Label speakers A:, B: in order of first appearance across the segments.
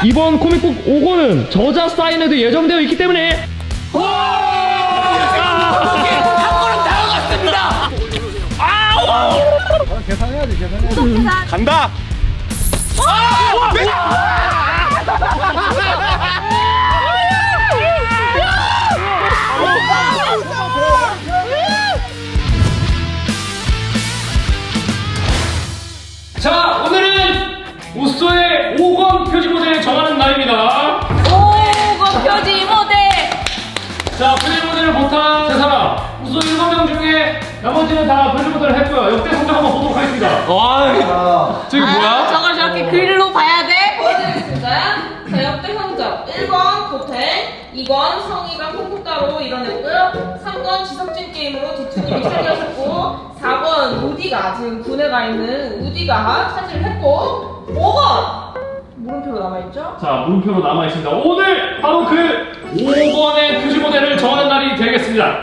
A: 이번 코믹북 5권은 저자 사인회도 예정되어 있기 때문에
B: 계산해야지.
C: 간다.
A: 자, 오늘은 우소의 5권 표지 모델을 정하는 날입니다.
D: 5권 표지 모델.
A: 자, 표지 모델을 못한 세 사람, 우소 7명 중에 나머지는 다 표지 모델을 했고요. 역대 성적 한번 보도록 하겠습니다.
C: 저기 뭐야?
D: 저걸 저렇게 글로 봐야 돼? 보여드리겠습니다. 자, 역대 성적 1번 고택, 2번 성희가 콩쿠따로 이뤄냈고요. 3번 지석진 게임으로 디투님이 차지하셨고, 4번 우디가 지금 군에 가 있는 우디가 차지를 했고, 5번 물음표로 남아있죠?
A: 자, 물음표로 남아있습니다. 오늘 바로 그 5번의 표지 모델을 정하는 날이 되겠습니다.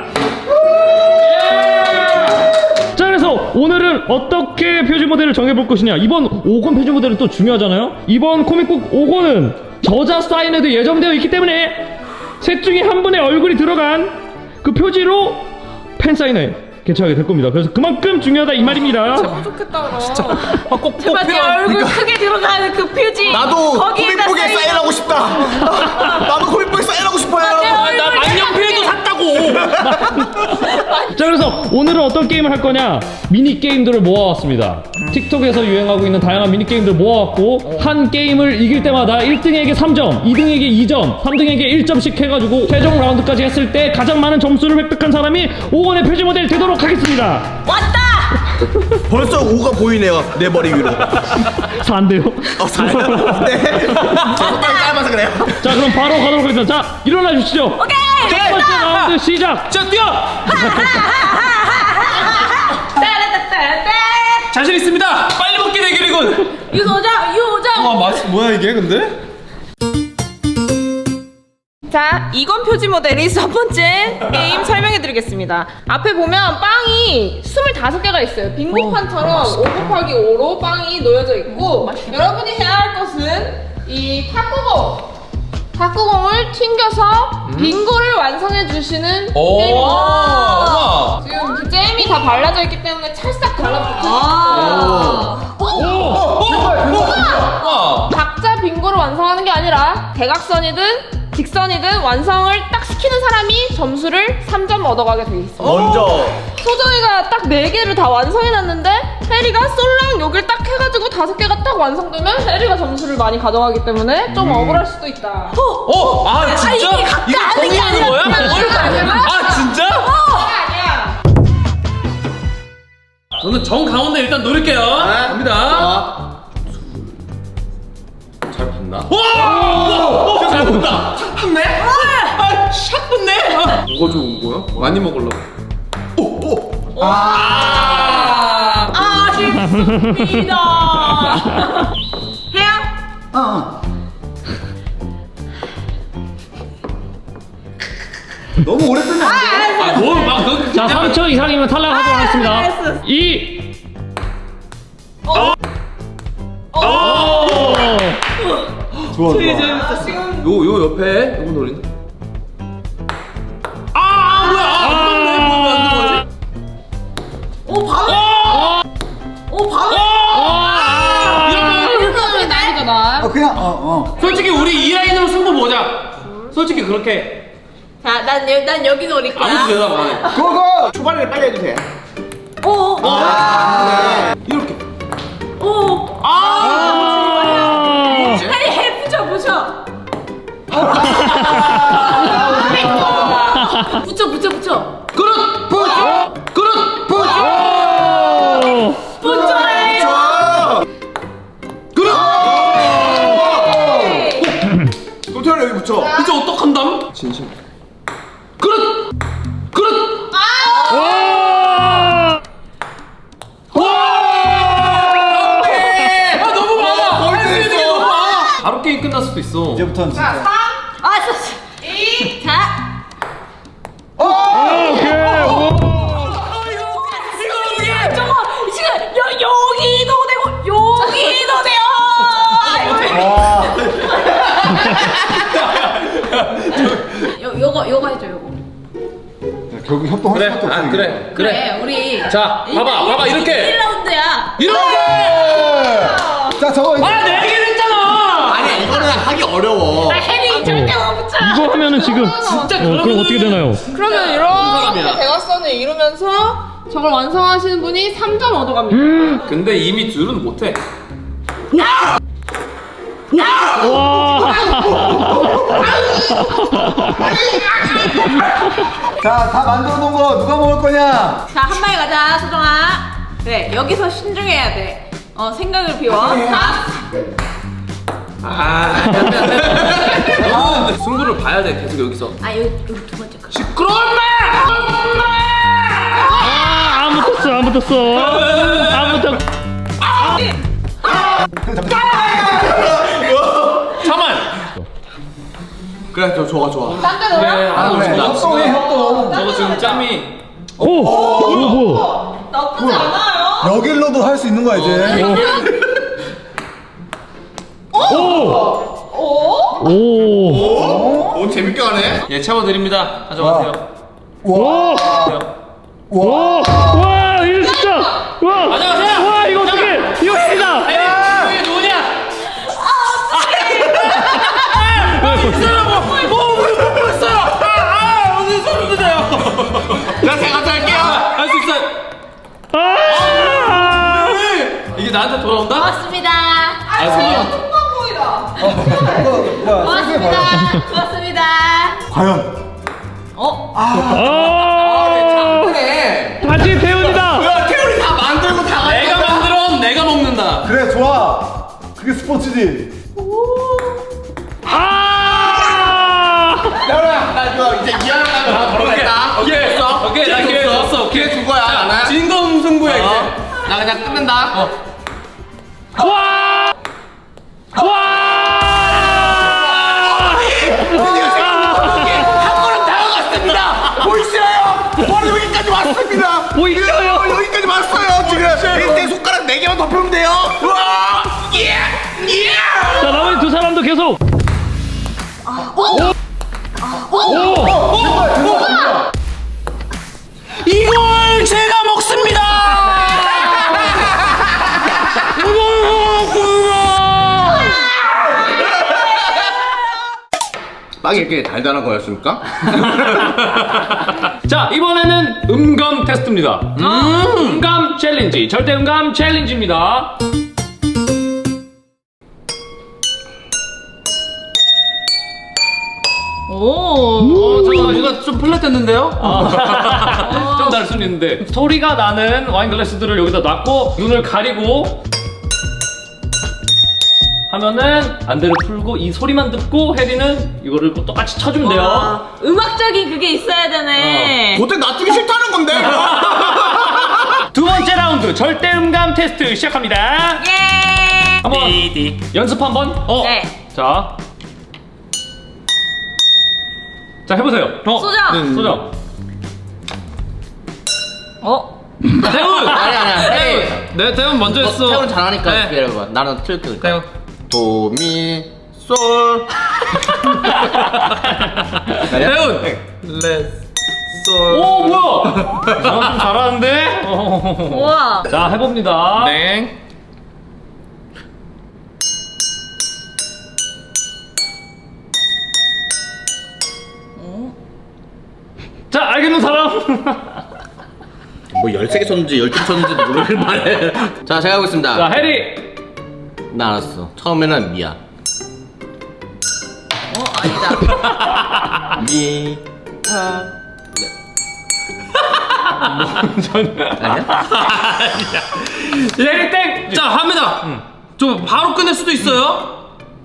A: 예! 자, 그래서 오늘은 어떻게 표지 모델을 정해볼 것이냐. 이번 5권 표지 모델은 또 중요하잖아요. 이번 코믹북 5권은 저자 사인회도 예정되어 있기 때문에 셋 중에 한 분의 얼굴이 들어간 그 표지로 팬 사인회 개최하게 될 겁니다. 그래서 그만큼 중요하다 이 말입니다.
D: 너무 좋겠다 그럼.
C: 진짜 꼭
D: 제발 내
C: 필요한.
D: 얼굴 크게 들어가는 그 표지.
E: 나도
D: 거기에다
E: 코믹북에 사인하고 싶다. 나도 코믹북에 사인하고 싶어요.
C: 나 만년필도 샀다고.
A: 자, 그래서 오늘은 어떤 게임을 할 거냐, 미니 게임들을 모아왔습니다. 틱톡에서 유행하고 있는 다양한 미니 게임들을 모아왔고, 한 게임을 이길 때마다 1등에게 3점, 2등에게 2점, 3등에게 1점씩 해가지고 최종 라운드까지 했을 때 가장 많은 점수를 획득한 사람이 5권의 표지 모델이 되도록 하겠습니다.
D: 왔다.
E: 벌써 5가 보이네요. 내 머리 위로.
A: 4인데요.
E: 사요? 네. 손가락 짧아서 그래요.
A: 자, 그럼 바로 가도록 하겠습니다. 자, 일어나 주시죠.
D: 오케이.
A: 첫 번째 라운드 시작.
C: 자, 뛰어.
D: 따라따따따.
C: 자신 있습니다. 빨리 먹기 대결이군.
D: 유소정.
C: 와, 맛이 뭐야 이게 근데?
D: 자, 이건 표지 모델이 첫 번째 게임 설명해드리겠습니다. 앞에 보면 빵이 25개가 있어요. 빙고판처럼 5 곱하기 5로 빵이 놓여져 있고, 여러분이 해야 할 것은 이 탁구공을 튕겨서 빙고를 완성해 주시는 게임입니다.
C: 우와.
D: 지금 그 잼이 다 발라져 있기 때문에 찰싹 달라붙어.
C: 와.
D: 각자 빙고를 완성하는 게 아니라 대각선이든 직선이든 완성을 딱 시키는 사람이 점수를 3점 얻어가게 돼 있습니다.
E: 먼저
D: 소정이가 딱 4개를 다 완성해놨는데 혜리가 솔랑 여길 딱 해가지고 5개가 딱 완성되면 혜리가 점수를 많이 가져가기 때문에 좀 억울할 수도 있다.
C: 아 진짜?
D: 이게 각자 하는 게
C: 정의하는 거야?
D: 아니라
C: 아 진짜?
D: 아니야.
C: 저는 정 가운데 일단 노릴게요. 갑니다.
E: 잘 봤나?
C: 와! 잘 본다. 샷 붙네? 아, 샷 붙네?
E: 뭐가 좋은 거야? 많이 먹으려고.
D: 아쉽습니다. 해야?
E: 너무 오래 끄면 안 돼.
C: 뭘막
A: 자, 3초 이상이면 탈락하도록 하겠습니다.
D: 알았어.
A: 2.
E: 좋아.
C: 요 옆에 요거 노린다. 뭐야? 뭐 만든 거지?
D: 오 바로. 오 바로. 이렇게 난리잖아.
E: 그냥
C: 솔직히 우리 이 라인으로 승부 보자. 솔직히 그렇게
D: 자, 난 여기 노릴 거야.
C: 아무도 대답 안 해.
E: 그거 초반에 빨리 해도 돼.
D: 오.
C: 이렇게.
D: 오. 빨리 해 붙여. 붙여.
C: 그릇
D: 붙여해.
E: 좋아.
C: 그릇.
E: 도태현 여기 붙여.
C: 이제 어떡한담?
E: 진심.
C: 그릇. 너무 많아. 할수 있는 게 너무 많아. 바로 게임 끝날 수도 있어.
E: 이제부터는 진짜.
D: 2. 자.
A: 오케이.
D: 저거 지금 여기도 되고 여기도 돼요.
E: 결국 협동할 수밖에 없어. 이게.
D: 그래 우리
C: 자, 봐봐, 이렇게.
D: 1라운드야.
C: 이렇게.
E: 자, 저거 이제.
C: 네 개를 했잖아.
E: 아니, 이거는 하기 어려워.
D: 해리 절대 못 붙여.
A: 이거 하면은 지금 그럼 어떻게 되나요?
D: 그러면 이렇게 대각선을 이루면서 저걸 완성하시는 분이 3점 얻어갑니다.
C: 근데 이미 둘은 못해.
A: 와.
E: 자, 다 만들어 놓은 거 누가 먹을 거냐?
D: 자, 한 마리 가자, 소정아. 그래, 여기서 신중해야 돼. 생각을 비워.
C: 승부를 봐야 돼, 계속 여기서.
D: 여기 두 번째 거.
C: 시끄러운 말!
A: 안 붙었어. 안 붙었어.
C: 잠깐만.
E: 그래, 좋아.
D: 딴 데로 와?
E: 그래, 협동해, 협동.
C: 저거 지금 짬이.
A: 오. 뭐.
D: 나쁘지 않아요.
E: 여길로도 할 수 있는 거야, 이제.
A: 오.
E: 오, 재밌게 하네.
C: 예, 채워드립니다. 가져가세요.
A: 오. 와, 이거 진짜. 와.
C: 가져가세요.
A: 와, 이거 어떻게? 이거 해다.
C: 이게 누구냐? 어디 소리 드세요?
E: 제가 할게요.
C: 할 수 있어요. 이게 나한테 돌아온다?
D: 고맙습니다.
C: 소리야.
D: 고맙습니다.
E: 과연.
A: 다시 태훈이다.
E: 태우리 다 만들고 다
C: 내가 만들어, 내가 먹는다.
E: 그래, 좋아. 그게 스포츠지. 태우라, 나 이거 이제 미안하다고 다 걸어냈다.
C: 오케이, 나 기회 줬어.
E: 기회 준 거야, 나는.
C: 진검 승부야, 이제.
E: 나 그냥 끝낸다.
A: 와.
E: 보이시나요? 바로 여기까지 왔습니다.
A: 보이시나요?
E: 여기까지 왔어요. 지금 내 손가락 4개만 더 펴면 돼요. 우와! 예!
A: 자, 나머지 두 사람도 계속.
C: 이걸 제가 먹습니다!
E: 빵이 이렇게 달달한 거였습니까?
A: 자, 이번에는 음감 테스트입니다. 음감 챌린지. 절대 음감 챌린지입니다.
C: 잠깐만, 이거 좀 플랫했는데요?
A: 좀 다를 수는 있는데 소리가 나는 와인 글라스들을 여기다 놨고 눈을 가리고 하면은 안대를 풀고 이 소리만 듣고 혜리는 이거를 똑같이 쳐주면 돼요.
D: 음악적인 그게 있어야 되네.
E: 도대체 놔두기 싫다는 건데?
A: 두 번째 라운드 절대 음감 테스트 시작합니다.
D: 예.
A: 한번 연습 한번.
D: 네.
A: 자 해보세요.
D: 소정.
A: 소정.
C: 태훈!
E: 아니야.
C: 내 태훈 먼저 했어.
E: 태훈 잘하니까
C: 네.
E: 기다려봐. 나는 틀게.
C: 태훈.
E: 도, 미, 솔.
C: 태훈! 레, 솔.
A: 오 뭐야? 좀 잘하는데?
D: 우와.
A: 자 해봅니다.
C: 네.
A: 자 알겠는 사람.
E: 뭐 13개 쳤는지 12개 쳤는지도 모르길 말해. 자, 제가 하겠습니다.
A: 자 해리.
E: 나 알았어. 처음에는 미야.
D: 아니다.
E: 미, 타, 아니야?
A: 해리 땡.
C: 자, 합니다. 좀 바로 끝낼 수도 있어요.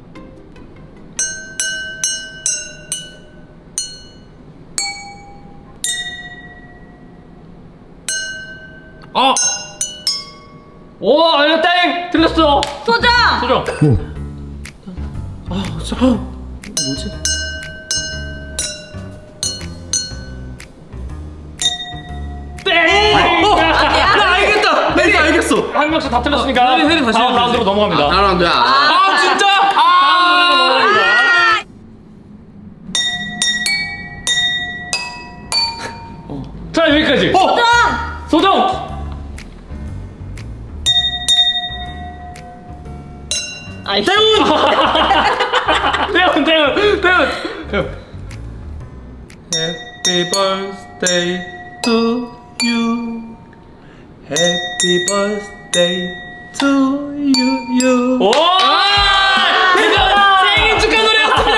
A: 오 아니야 땡. 틀렸어.
D: 소정.
A: 소정.
C: 뭐지?
A: 땡.
C: 나 알겠다. 혜리 알겠어.
A: 한 명씩 다 틀렸으니까
C: 혜리 다시
A: 다음
C: 해야지.
A: 라운드로 넘어갑니다.
E: 사람들야.
C: 아, 진짜?
A: 자, 여기까지. 소정.
D: 아이.
A: 태훈.
C: Happy birthday to you. Happy birthday to you.
A: 오! 생일 축하 노래였습니다.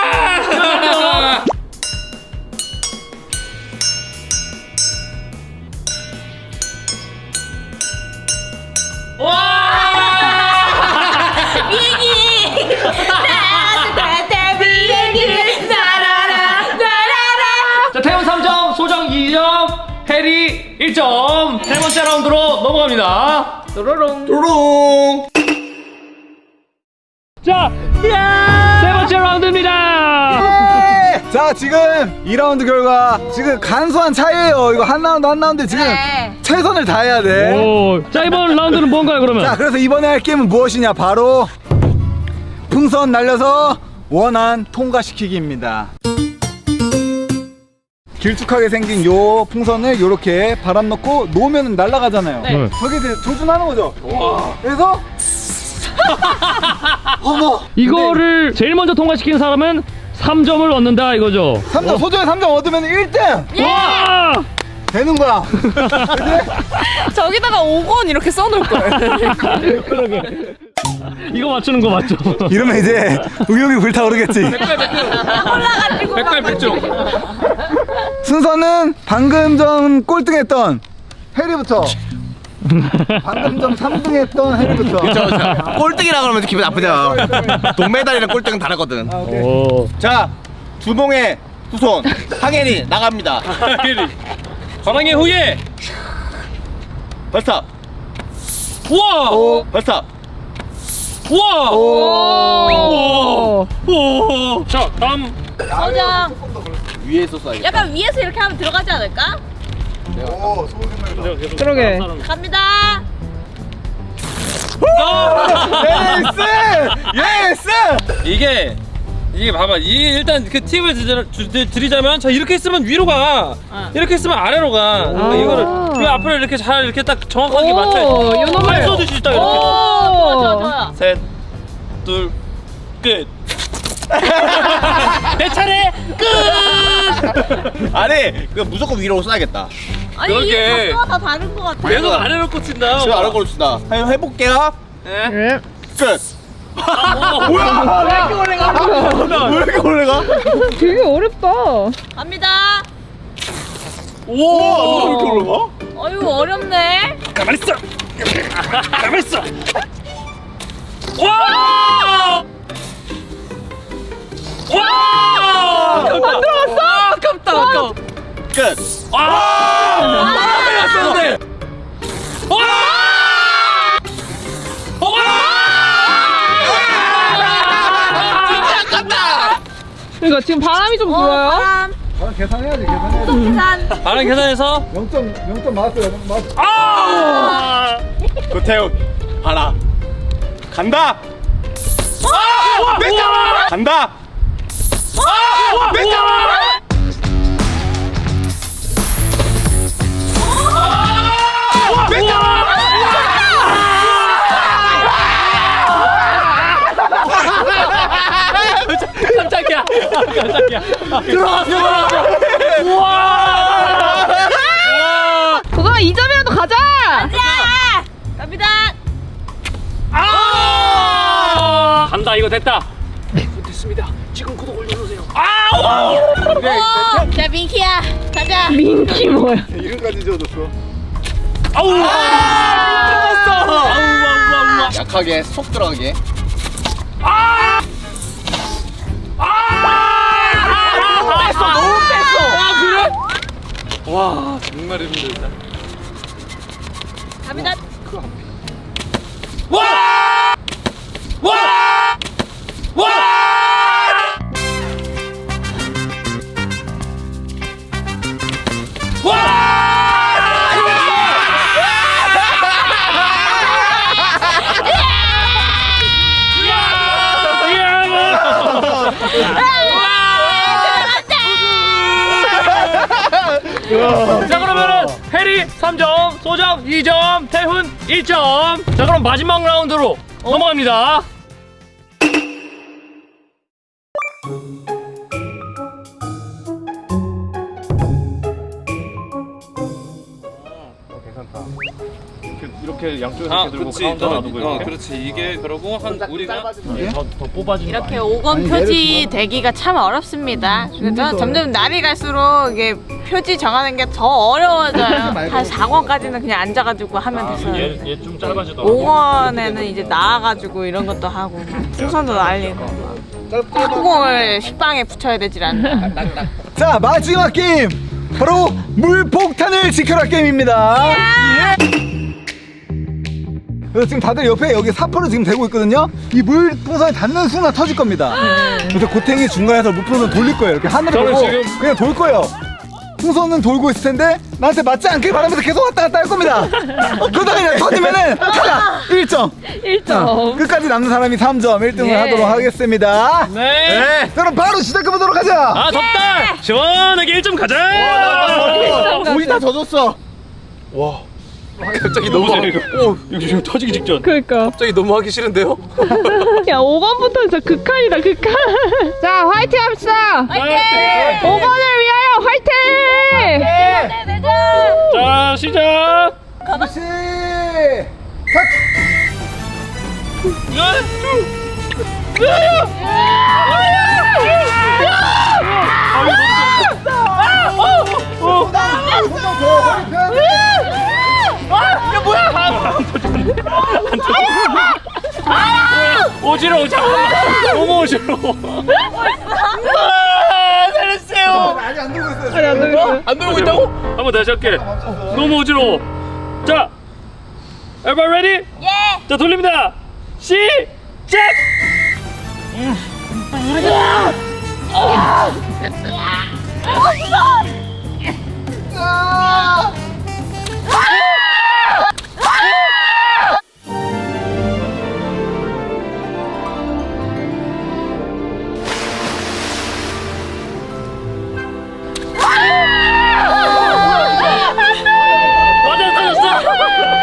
D: 비행기. 따뜻한 비행기를 날아라.
A: 자, 태훈 3점, 소정 2점, 해리 1점. 세 번째 라운드로 넘어갑니다.
E: 뚜루룽.
A: 자, 세 번째 라운드입니다.
B: 자, 지금 2라운드 결과 지금 간소한 차이에요. 이거 한 라운드 지금
D: 네.
B: 최선을 다해야 돼.
A: 오, 자, 이번 라운드는 뭔가요, 그러면?
B: 자, 그래서 이번에 할 게임은 무엇이냐? 바로 풍선 날려서 원안 통과시키기입니다. 길쭉하게 생긴 요 풍선을 요렇게 바람 넣고 놓으면 날아가잖아요.
D: 네.
B: 저게 이제 조준하는 거죠. 그래서 어머,
A: 이거를 제일 먼저 통과시킨 사람은 3점을 얻는다 이거죠.
B: 3점 소정에 3점 얻으면 1등
A: 와!
B: 되는 거야.
D: 저기다가 5권 이렇게 써놓을 걸.
A: 그러게. 이거 맞추는 거 맞죠?
B: 이러면 이제 의욕이 불타오르겠지.
D: 올라가지고.
C: 백발백중.
B: 순서는 방금 전 꼴등했던 해리부터. 방금 전 3등했던 해리부터.
E: 꼴등이라 그러면 기분 나쁘잖아. 동메달이랑 꼴등은 다르거든.
A: 오.
E: 자, 주봉의 후손 항해리 나갑니다.
C: 관왕의 후예.
E: 발사.
C: 우와.
E: 발사.
C: 우와.
D: 오.
C: 오. 자, 다음.
D: 서장.
E: 위에서 쏴야겠다.
D: 약간 위에서 이렇게 하면 들어가지 않을까?
B: 오, 소금 생각나.
D: 그러게. 갑니다.
B: 예스!
C: 이게 봐봐. 이게 일단 그 팁을 드리자면, 자, 이렇게 했으면 위로 가. 이렇게 했으면 아래로 가. 그러니까 이거를 이 앞으로 이렇게 잘 이렇게 딱 정확하게 맞춰야지. 발 쏘듯이 딱 이렇게.
D: 좋아.
C: 셋, 둘, 끝. 내 차례 끝.
E: 아니, 그 무조건 위로 쏴야겠다.
D: 아니
C: 그러게.
D: 이게 각도가 다 다른 것 같아.
C: 계속 아래로 꽂힌다.
E: 지금 알아 걸읍시다. 한번 해볼게요.
C: 네.
E: 끝.
C: 뭐야? 왜 이렇게 오래 가?
E: 왜 이렇게 오래 가?
F: 되게 어렵다.
D: 갑니다.
E: 오, 왜 이렇게 오래 가?
D: 어휴 어렵네.
C: 가만 있어. 가만 있어. 와! 와! 안 들어갔어? 아깝다. 아까워.
E: 끝.
C: 와! 나한테 갔었는데. 와! 진짜 아깝다.
F: 그러니까 지금 바람이 좀 불어요.
D: 바람.
B: 계산해야지.
D: 계산.
C: 바람 계산해서
B: 0점 맞았어요. 맞았어.
C: 아!
E: 고태훈 봐라. 간다. 아! 냈잖아. 간다. 아! 냈잖아.
C: 깜짝이야. 들어갔어. 우와.
F: 도전아 2점이라도 가자.
D: 자. 갑니다.
C: 아! 간다. 이거 됐다.
D: 자 민키야 가자.
F: 민키 뭐야?
B: 이름까지 지어줬어.
C: 아우! 들어갔어. 아우.
E: 약하게 속 들어가게.
C: 너무 뺐어. 아, 그래? 와, 정말 힘들다.
D: 갑니다.
C: 와! 와! 와! 자, 그러면 3점, 소정 2점, 태훈 1점. 자, 그럼 마지막 라운드로 넘어갑니다.
A: 이렇게 양쪽에서 이렇게 들고 가운데 놔두고 이렇게.
C: 그렇지. 이게 그러고 한 우리가
A: 더 뽑아지는
G: 이렇게 5권 표지 되기가 참 어렵습니다. 그래서 점점 날이 갈수록 이게 표지 정하는 게 더 어려워져요. 한 4권까지는 그냥 앉아가지고 하면 됐어요.
A: 얘좀 짧아지더라고.
G: 5권에는 이제 나와가지고 이런 것도 하고 막 풍선도 날리고 뚜껑을 식빵에 붙여야 되질 않나.
B: 자, 마지막 게임 바로 물폭탄을 지켜라 게임입니다. 예. 그래서 지금 다들 옆에 여기 사포를 지금 대고 있거든요. 이 물풍선이 닿는 순간 터질 겁니다. 그래서 고탱이 중간에서 물풍선 돌릴 거예요. 이렇게 하늘을
A: 저는
B: 보고
A: 지금-
B: 그냥 돌 거예요. 풍선은 돌고 있을 텐데 나한테 맞지 않길 바라면서 계속 왔다 갔다 할 겁니다. 그러다가 그냥 터지면은 탈락! 1점.
F: 1점.
B: 끝까지 남는 사람이 3점 1등을
F: 예.
B: 하도록 하겠습니다.
C: 네.
B: 자, 그럼 바로 시작해보도록 하자.
C: 아, 덥다. 시원하게 1점 가자.
B: 우리 다 젖었어.
E: 갑자기 너무
A: 이거 지금 터지기 직전.
F: 그러니까.
E: 갑자기 너무 하기 싫은데요?
F: 야 5번부터 진짜 극한이다 극한. 자 화이팅 합시다.
C: 화이팅!
F: 5번을 위하여 화이팅.
C: 자, 시작.
B: 그렇지.
C: 오지러워. 잠깐만. 너무 오지러워. 살려주세요.
B: 아직 안 들고 있어요.
F: 아니 안 되겠어.
C: 안 들어오고 있다고? 한번 다시 할게. 너무 어지러워. 자, everybody ready? 예. 자, 돌립니다. 시작. 맞아, 터졌어.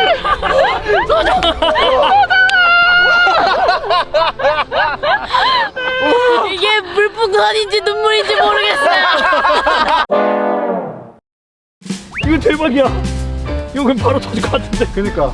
G: 이게 물풍선인지 눈물인지 모르겠어요.
C: 이거 대박이야. 이거 그럼 바로 터질 것 같은데.
B: 그니까.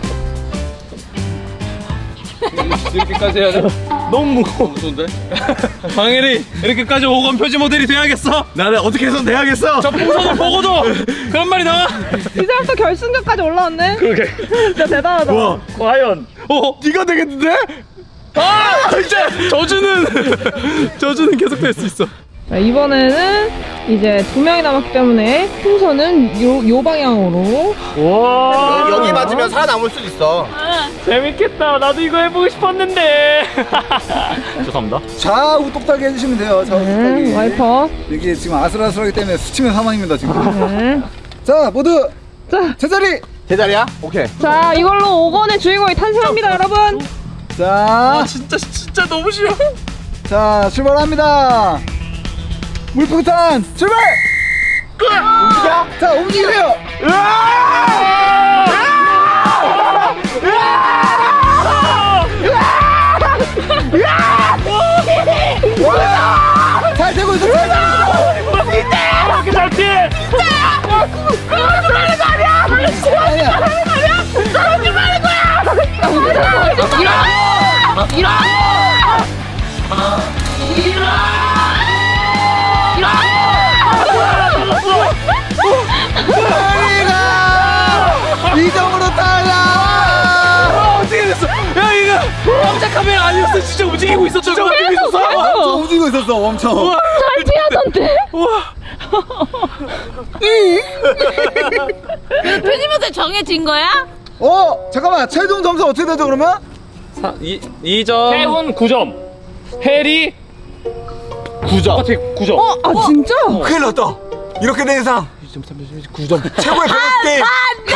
C: 이렇게까지 해야 돼? 너무 무거워. 무서운데? 방일이 이렇게까지 5권 표지 모델이 돼야겠어?
B: 나는 어떻게 해서 내야겠어.
C: 저 풍선을 보고도 그런 말이 나와?
F: 이 사람도 결승전까지 올라왔네.
C: 그러게.
F: 진짜 대단하다.
B: 와,
C: 과연
B: 네가 되겠는데?
C: 아! 이제 저주는 계속될 수 있어.
F: 자, 이번에는 이제 2명이 남았기 때문에 풍선은 요 방향으로.
C: 와,
E: 여기 맞으면 살아남을 수도 있어.
C: 재밌겠다. 나도 이거 해보고 싶었는데. 죄송합니다.
B: 좌우 똑딱이 해주시면 돼요. 좌우 똑딱이.
F: 와이퍼.
B: 이게 지금 아슬아슬하기 때문에 스치면 사망입니다 지금.
F: 네.
B: 자, 모두
F: 자,
B: 제자리.
E: 제자리야? 오케이.
F: 자 이걸로 5권의 주인공이 탄생합니다, 여러분.
B: 자,
C: 진짜 너무 싫어.
B: 자, 출발합니다. 물폭탄 출발. 움직여. 자, 움직여요. 잘 되고 있어.
C: 이렇게 잘 피해.
B: 이 점으로 탈락.
C: 어떻게 됐어? 야, 이거 깜짝 카메라 아니었어. 진짜 움직이고 있었어. 진짜 움직이고 있었어.
B: 움직이고 있었어 엄청.
F: 잘 피하던데.
G: 표지모델 정해진 거야?
B: 잠깐만, 최종 점수 어떻게 되죠 그러면?
C: 2점. 태훈 9점. 해리 9점. 9점.
F: 아 진짜?
B: 큰일 났다. 이렇게 된 이상
C: 9점.
B: 최고의 밸런스 게임.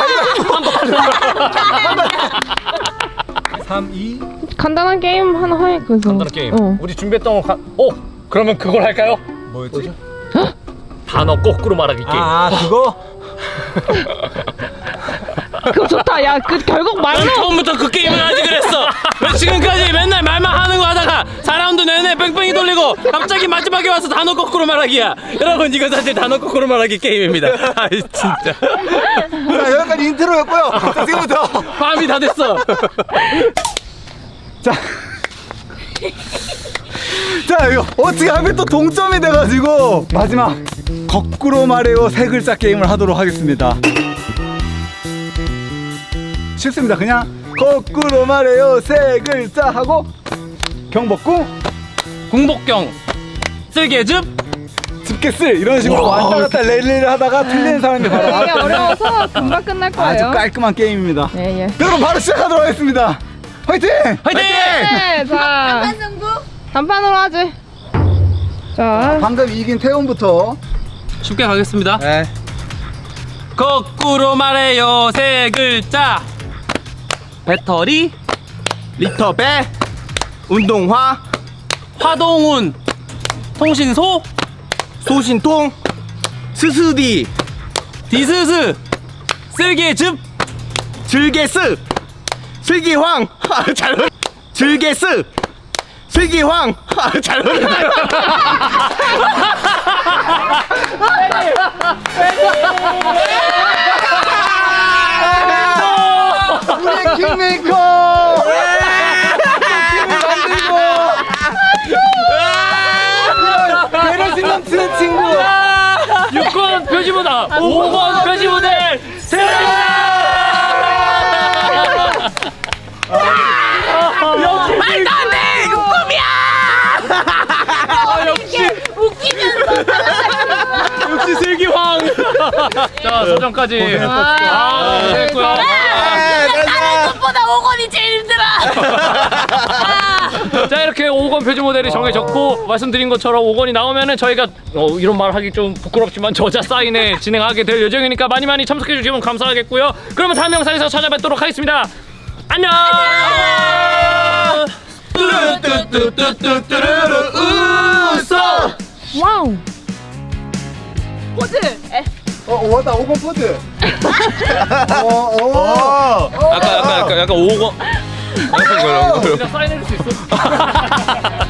B: 3, 2.
F: 간단한 게임 하나 해. 그래서.
C: 간단한 게임.
F: 어.
C: 우리 준비했던 거 그러면 그걸 할까요?
B: 뭐였지?
C: 단어 거꾸로 말하기 게임.
B: 그거?
F: 그거 좋다. 야, 그 결국 말로.
C: 넌 처음부터 그 게임을 하지 그랬어. 왜 지금까지 맨날 말만 하는 거 하다가 4라운드 내내 뺑뺑이 돌리고 갑자기 마지막에 와서 단어 거꾸로 말하기야. 여러분 이거 사실 단어 거꾸로 말하기 게임입니다. 아이 진짜.
B: 자, 여기까지 인트로였고요. 자, 지금부터
C: 밤이 다 됐어.
B: 자. 자, 이거 어떻게 하면 또 동점이 돼가지고 마지막 거꾸로 말해요 세 글자 게임을 하도록 하겠습니다. 쉽습니다. 그냥 거꾸로 말해요 세 글자 하고 경복궁
C: 궁복경 쓸개즙
B: 집게쓸 이런 식으로 왔다 갔다 랠리를 하다가 틀리는 사람이 바로
F: 되게
B: 나왔다면
F: 어려워서 금방 끝날
B: 아주
F: 거예요.
B: 깔끔한 게임입니다.
F: 예, 예.
B: 여러분 바로 시작하도록 하겠습니다. 화이팅!
C: 화이팅!
F: 네, 자. 단판으로 하지. 자.
B: 방금 이긴 태훈부터.
C: 쉽게 가겠습니다.
B: 네.
C: 거꾸로 말해요 세 글자. 배터리
E: 리터 배 운동화
C: 화동운 통신소
E: 소신통 스스디
C: 디스스 쓸개즙
E: 즐개스 슬기황 잘 즐개스 슬기황 잘
B: 우리 킹메이커! 킹을 만들고! 배려심 넘치는 친구!
C: 6권 표지보다 5권 표지 모델
G: 말도 안 돼! 이거 꿈이야! 웃기면서
C: 역시 슬기황. 자 소정까지. 아 됐고요.
G: 다른 것보다 5권이 제일 힘들어!
C: 자 이렇게 5권 표지 모델이 정해졌고 말씀드린 것처럼 5권이 나오면은 저희가 이런 말 하기 좀 부끄럽지만 저자 사인회 진행하게 될 예정이니까 많이 참석해 주시면 감사하겠고요. 그러면 다음 영상에서 찾아뵙도록 하겠습니다. 안녕.
F: 와우.
G: 포즈!
B: 왔다, 5번 포즈!
C: 약간 5권. 약간 이거.
A: 사인해줄 수 있어?